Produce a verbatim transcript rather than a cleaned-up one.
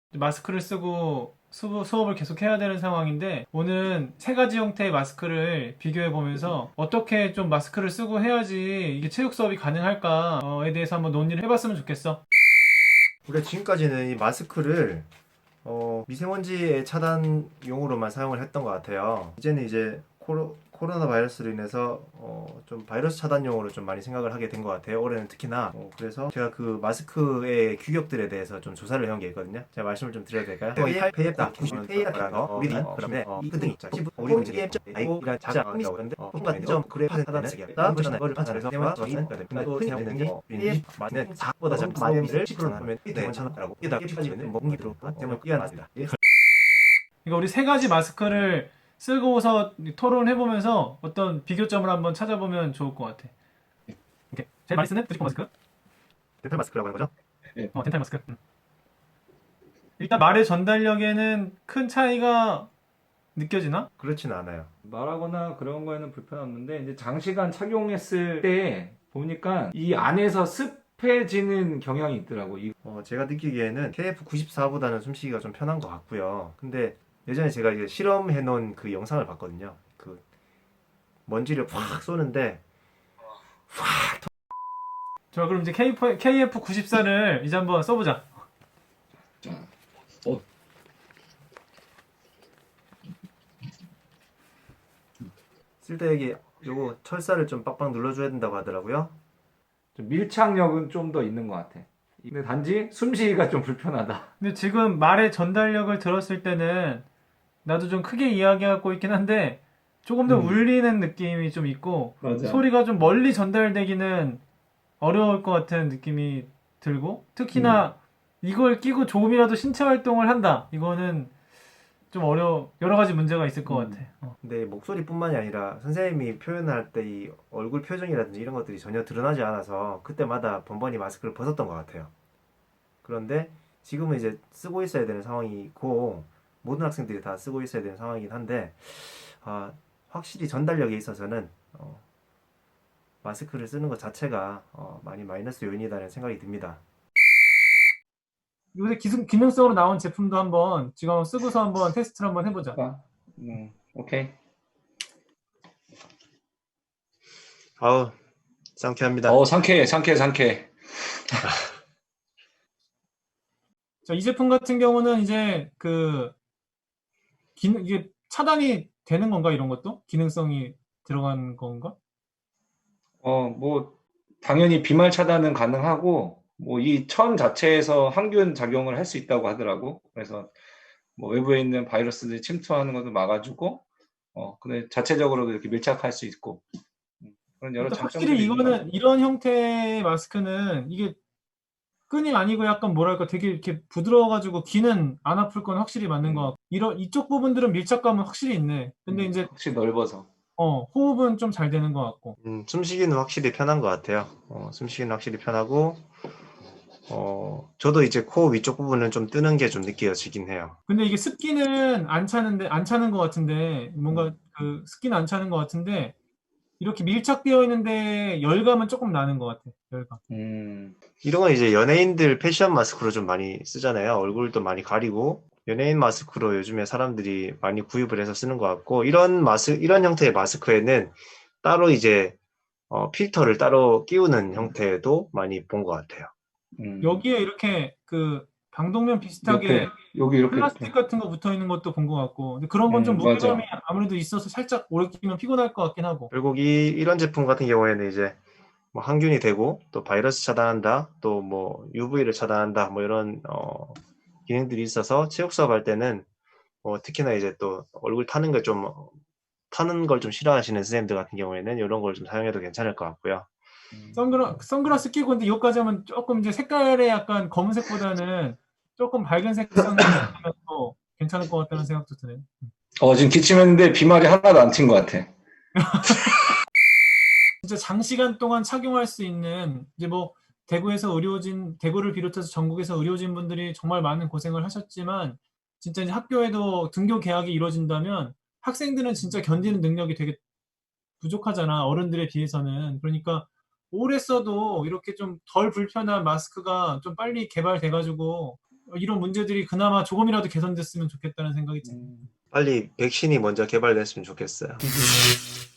마스크를 쓰고 수업, 수업을 계속 해야 되는 상황인데 오늘 세 가지 형태의 마스크를 비교해 보면서 어떻게 좀 마스크를 쓰고 해야지 이게 체육 수업이 가능할까에 대해서 한번 논의를 해봤으면 좋겠어. 우리가 지금까지는 이 마스크를 어, 미세먼지의 차단용으로만 사용을 했던 것 같아요. 이제는 이제 코로, 코로나 바이러스로 인해서 어, 좀 바이러스 차단용으로 좀 많이 생각을 하게 된 것 같아요. 올해는 특히나. 어, 그래서 제가 그 마스크의 규격들에 대해서 좀 조사를 해온 게 있거든요. 제가 말씀을 좀 드려도 될까요? 페이에프다, 페이에프다, 우리는 그다음에 이 등이 우리 이제 아이고가 작아라고 하는데 통과 점 그래 판단을 쓰게 했다. 그거를 판단해서 대만 저희는 근데 또 흔히 되는 게 우리는 맞는 사보다 작은 마이를 십 퍼센트 하면 괜찮다라고 이게 빠지면 공기 들어오고 때문에 뛰어나습니다. 그러니까 우리 세 가지 마스크를 쓰고서 토론해보면서 어떤 비교점을 한번 찾아보면 좋을 것 같아. 오케이. 제일 많이 쓰는 드리퍼 마스크? 덴탈 마스크라고 하는 거죠? 어, 덴탈 마스크. 음. 일단 말의 전달력에는 큰 차이가 느껴지나? 그렇지는 않아요. 말하거나 그런 거에는 불편 없는데 이제 장시간 착용했을 때 보니까 이 안에서 습해지는 경향이 있더라고. 이 어, 제가 느끼기에는 케이에프 구십사보다는 숨쉬기가 좀 편한 것 같고요. 근데 예전에 제가 이제 실험해 놓은 그 영상을 봤거든요. 그 먼지를 확 쏘는데 자, 그럼 이제 케이에프 구십사를 이제 한번 써보자. 자, 어, 쓸 때 여기 요거 철사를 좀 빡빡 눌러줘야 된다고 하더라고요. 좀 밀착력은 좀 더 있는 것 같아. 근데 단지 숨쉬기가 좀 불편하다. 근데 지금 말의 전달력을 들었을 때는 나도 좀 크게 이야기하고 있긴 한데 조금 더 음. 울리는 느낌이 좀 있고 맞아. 소리가 좀 멀리 전달되기는 어려울 것 같은 느낌이 들고 특히나 이걸 끼고 조금이라도 신체 활동을 한다. 이거는 좀 어려 여러 가지 문제가 있을 것 음. 같아. 어. 근데 목소리뿐만이 아니라 선생님이 표현할 때 이 얼굴 표정이라든지 이런 것들이 전혀 드러나지 않아서 그때마다 번번이 마스크를 벗었던 것 같아요. 그런데 지금은 이제 쓰고 있어야 되는 상황이고 모든 학생들이 다 쓰고 있어야 되는 상황이긴 한데 아, 확실히 전달력에 있어서는 어, 마스크를 쓰는 것 자체가 어, 많이 마이너스 요인이라는 생각이 듭니다. 요새 기능, 기능성으로 나온 제품도 한번 지금 한번 쓰고서 한번 테스트를 한번 해보자. 아, 음, 오케이. 아우 상쾌합니다. 어, 상쾌해, 상쾌해, 상쾌해. 자, 이 제품 같은 경우는 이제 그 기능 이게 차단이 되는 건가 이런 것도 기능성이 들어간 건가? 어, 뭐 당연히 비말 차단은 가능하고 뭐 이 천 자체에서 항균 작용을 할 수 있다고 하더라고. 그래서 뭐 외부에 있는 바이러스들이 침투하는 것도 막아주고, 어, 근데 자체적으로도 이렇게 밀착할 수 있고, 음, 그런 여러 일단 확실히 장점들이 있는 것 같아요. 이거는 이런 형태의 마스크는 이게 끈이 아니고 약간 뭐랄까 되게 이렇게 부드러워가지고 귀는 안 아플 건 확실히 맞는 것 음, 같고 이런 이쪽 부분들은 밀착감은 확실히 있네. 근데 음, 이제 확실히 넓어서. 어 호흡은 좀 잘 되는 것 같고. 음, 숨쉬기는 확실히 편한 것 같아요. 어, 숨쉬기는 확실히 편하고 어, 저도 이제 코 위쪽 부분은 좀 뜨는 게 좀 느껴지긴 해요. 근데 이게 습기는 안 차는데 안 차는 것 같은데 뭔가 음, 그 습기는 안 차는 것 같은데 이렇게 밀착되어 있는데 열감은 조금 나는 것 같아. 열감. 음, 이런 건 이제 연예인들 패션 마스크로 좀 많이 쓰잖아요. 얼굴도 많이 가리고 연예인 마스크로 요즘에 사람들이 많이 구입을 해서 쓰는 것 같고 이런 마스 이런 형태의 마스크에는 따로 이제 어, 필터를 따로 끼우는 형태도 많이 본 것 같아요. 음. 여기에 이렇게 그 방독면 비슷하게 옆에, 여기 이렇게, 플라스틱 이렇게. 같은 거 붙어 있는 것도 본 것 같고 근데 그런 건 좀 음, 무게감이 맞아. 아무래도 있어서 살짝 오래 끼면 피곤할 것 같긴 하고. 결국 이 이런 제품 같은 경우에는 이제 뭐 항균이 되고 또 바이러스 차단한다, 또 뭐 유브이를 차단한다, 뭐 이런 어, 기능들이 있어서 체육 수업할 때는 뭐 특히나 이제 또 얼굴 타는 걸 좀 타는 걸 좀 싫어하시는 선생님들 같은 경우에는 이런 걸 좀 사용해도 괜찮을 것 같고요. 음, 선글라, 선글라스 끼고 근데 여기까지 하면 조금 이제 색깔의 약간 검은색보다는 조금 밝은 색 선글라스 또 괜찮을 것 같다는 생각도 드네요. 어, 지금 기침했는데 비말이 하나도 안 튄 것 같아. 진짜 장시간 동안 착용할 수 있는 이제 뭐 대구에서 의료진 대구를 비롯해서 전국에서 의료진 분들이 정말 많은 고생을 하셨지만 진짜 이제 학교에도 등교 개학이 이루어진다면 학생들은 진짜 견디는 능력이 되게 부족하잖아 어른들에 비해서는. 그러니까 오래 써도 이렇게 좀 덜 불편한 마스크가 좀 빨리 개발돼가지고 이런 문제들이 그나마 조금이라도 개선됐으면 좋겠다는 생각이 듭니다. 빨리 백신이 먼저 개발됐으면 좋겠어요.